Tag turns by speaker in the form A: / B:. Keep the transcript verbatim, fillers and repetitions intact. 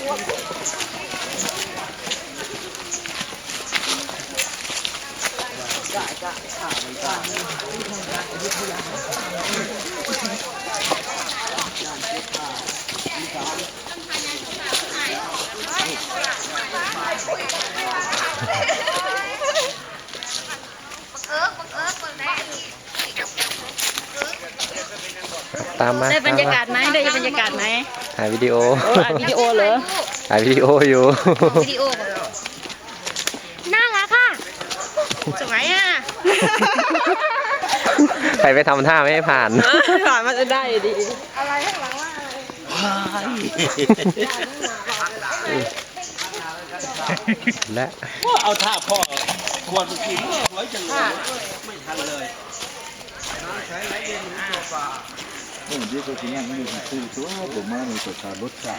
A: ตามมา
B: ได้บรรยากาศไหมได้บรรยากาศไหม
A: ถ่ายวิดีโอ
B: ถ่ายวิดีโอเหรอ
A: ถ่ายวิดีโออยู่
B: วิดีโอน่ารักค่ะสวยอ่ะ
A: ใครไปทำท่าไม่ให้ผ่าน
B: ผ่านมันจะได้ดีอะไรข้างหลังว่า
A: และ
C: เอาท่าพ่อควรกินสวยจังเลยไม่ทันเลยใช้ไรเย็นตัวปลาโอ้ยเดี๋ยวตัวนี้มันอยู่ที่ตัวผมมาในตัวการรถจ่า